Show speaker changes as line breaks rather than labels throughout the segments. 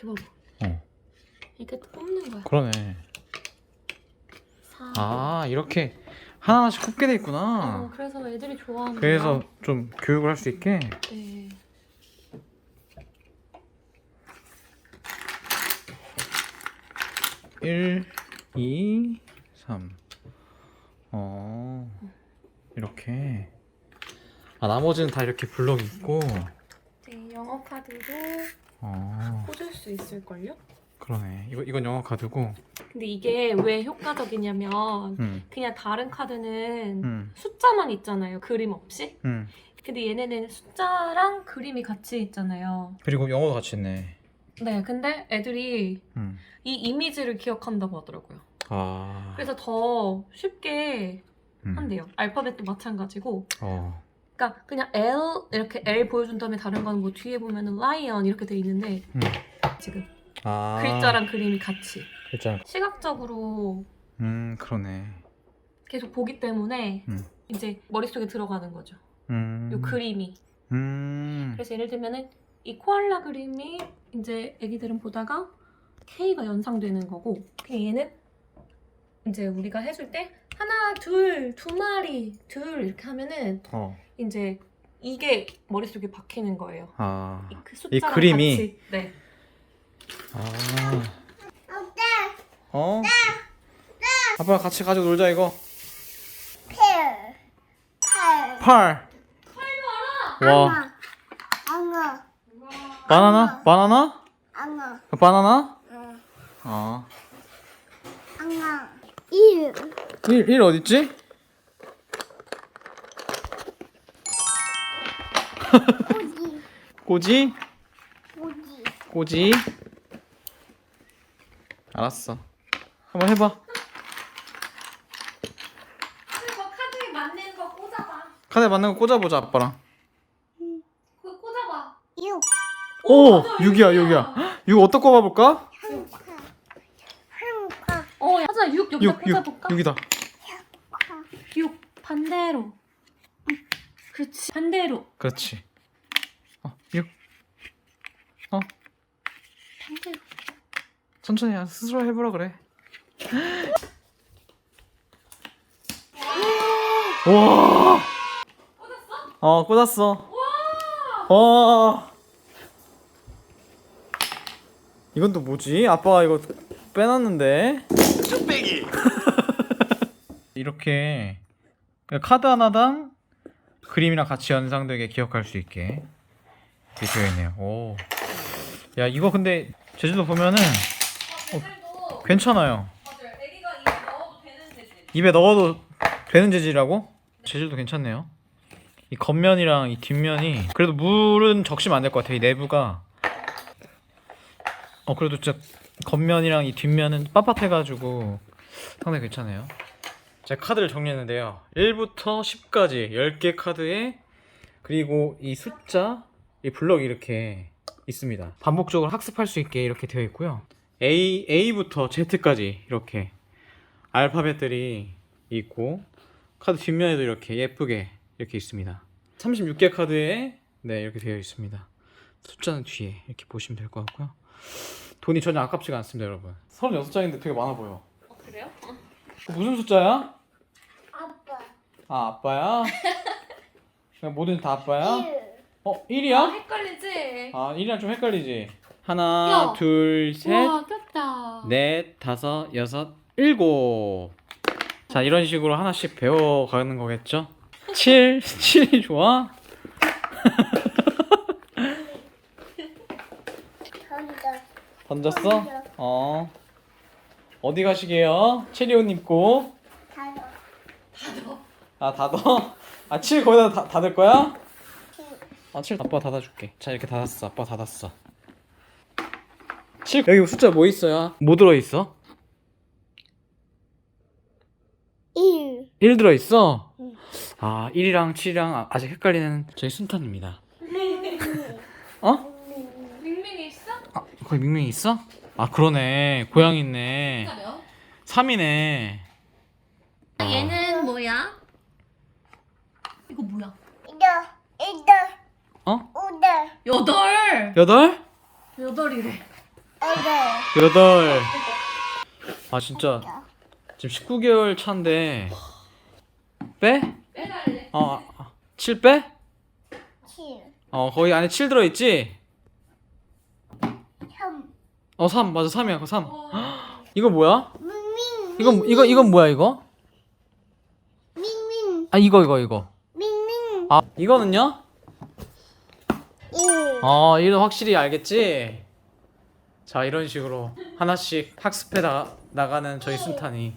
이렇게 봐봐.
어.
이렇게 뽑는 거야.
그러네.
4.
아, 이렇게 하나하나씩 굽게 돼 있구나.
그래서 애들이 좋아하는
그래서
거야.
좀 교육을 할 수 있게.
네.
일, 2, 3. 이렇게. 아, 나머지는 다 이렇게 블럭이 있고.
네, 영어 카드도
어,
꽂을 수 있을걸요?
그러네. 이건 영어 카드고.
근데 이게 왜 효과적이냐면
음,
그냥 다른 카드는
음,
숫자만 있잖아요. 그림 없이.
음.
근데 얘네는 숫자랑 그림이 같이 있잖아요.
그리고 영어도 같이 있네.
네, 근데 애들이
음.
이 이미지를 기억한다고 하더라고요.
아.
그래서 더 쉽게
음.
한대요. 알파벳도 마찬가지고.
어.
그러니까 그냥 L 이렇게 L 보여준 다음에 다른 거는 뭐 뒤에 보면은 라이언 이렇게 돼 있는데
음.
지금
아.
글자랑 그림이 같이
글자랑.
시각적으로
그러네.
계속 보기 때문에
음.
이제 머릿속에 들어가는 거죠.
음.
요 그림이. 그래서 예를 들면은 이 코알라 그림이 이제 애기들은 보다가 K가 연상되는 거고 얘는 이제 우리가 해줄 때 하나, 둘, 두 마리, 둘 이렇게 하면은
어.
이제 이게 머릿속에 박히는 거예요.
아.
그 숫자랑
그림이?
같이. 네.
아. 어? 아빠 같이 가지고 놀자 이거. 팔. 와. 바나나? 바나나? 바나나? 어. 1 어딨지? 꼬지? 꼬지? 알았어. 한번 해봐.
카드에 맞는 거 꽂아봐.
카드에 맞는 거 꽂아보자 아빠랑.
그거 꽂아봐.
오!
맞아,
6이야 6이야. 6 어디다 꼽아볼까?
맞아. 6 여기다
6
꽂아볼까?
6이다.
6 반대로. 그렇지. 반대로.
그렇지. 6.
반대로.
천천히 스스로 해보라 그래. 와.
꽂았어?
꽂았어.
와!
와. 이건 또 뭐지? 아빠가 이거 빼놨는데. 쭈빼기. 이렇게 카드 하나당 그림이랑 같이 연상되게 기억할 수 있게 이렇게 되어 있네요. 오. 야, 이거 근데 재질도 보면은
재질도
괜찮아요.
맞아요. 애기가 입에 넣어도 되는 재질.
입에 넣어도 되는 재질이라고? 재질도 괜찮네요. 이 겉면이랑 이 뒷면이 그래도 물은 적시면 안 될 것 같아. 이 내부가 그래도 진짜 겉면이랑 이 뒷면은 빳빳해가지고 상당히 괜찮아요. 제가 카드를 정리했는데요. 1부터 10까지 10개 카드에 그리고 이 숫자, 이 블럭이 이렇게 있습니다. 반복적으로 학습할 수 있게 이렇게 되어 있고요. A부터 Z까지 이렇게 알파벳들이 있고 카드 뒷면에도 이렇게 예쁘게 이렇게 있습니다. 36개 카드에 네, 이렇게 되어 있습니다. 숫자는 뒤에 이렇게 보시면 될 것 같고요. 돈이 전혀 아깝지가 않습니다, 여러분. 36장인데 되게 많아 보여.
그래요?
무슨 숫자야?
아빠.
아, 아빠야? 그냥 뭐든 다 아빠야?
1.
1이야?
헷갈리지?
1이랑 좀 헷갈리지? 하나,
야.
둘, 셋,
우와, 꼈다.
넷, 다섯, 여섯, 일곱. 자, 이런 식으로 하나씩 배워가는 거겠죠? 7이 좋아? 던졌어?
던져.
어디 가시게요? 체리 옷 입고. 닫어? 7 거기다 닫을 거야? 7 아빠 닫아줄게. 자, 이렇게 닫았어. 아빠 닫았어. 7 여기 숫자 뭐 있어요? 뭐 들어있어?
1.
1 들어있어?
응.
1이랑 7이랑 아직 헷갈리는 저희 순탄입니다.
밍밍이 있어?
거기 밍밍이 있어? 그러네. 고양이 있네.
몇?
3이네.
얘는 뭐야? 이거 뭐야?
8.
어?
5.
8!
8?
8이래.
8. 아 진짜 지금 19개월 차인데 빼?
빼달래.
7 빼?
7.
거기 안에 7 들어있지?
3.
3 맞아 3이야 그거 3. 이거 뭐야?
밍밍.
이건 뭐야 이거?
밍밍.
아 이거
밍밍.
이거는요?
1.
이거 확실히 알겠지? 자 이런 식으로 하나씩 학습해 나가는 저희 순탄이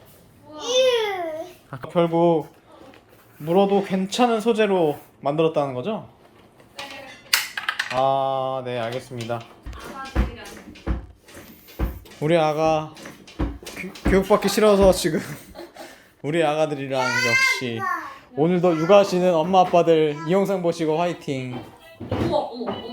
1.
결국 물어도 괜찮은 소재로 만들었다는 거죠? 네 알겠습니다. 우리 아가 교육받기 싫어서 지금 우리 아가들이랑 역시 오늘도 육아하시는 엄마 아빠들 이 영상 보시고 화이팅.
어머.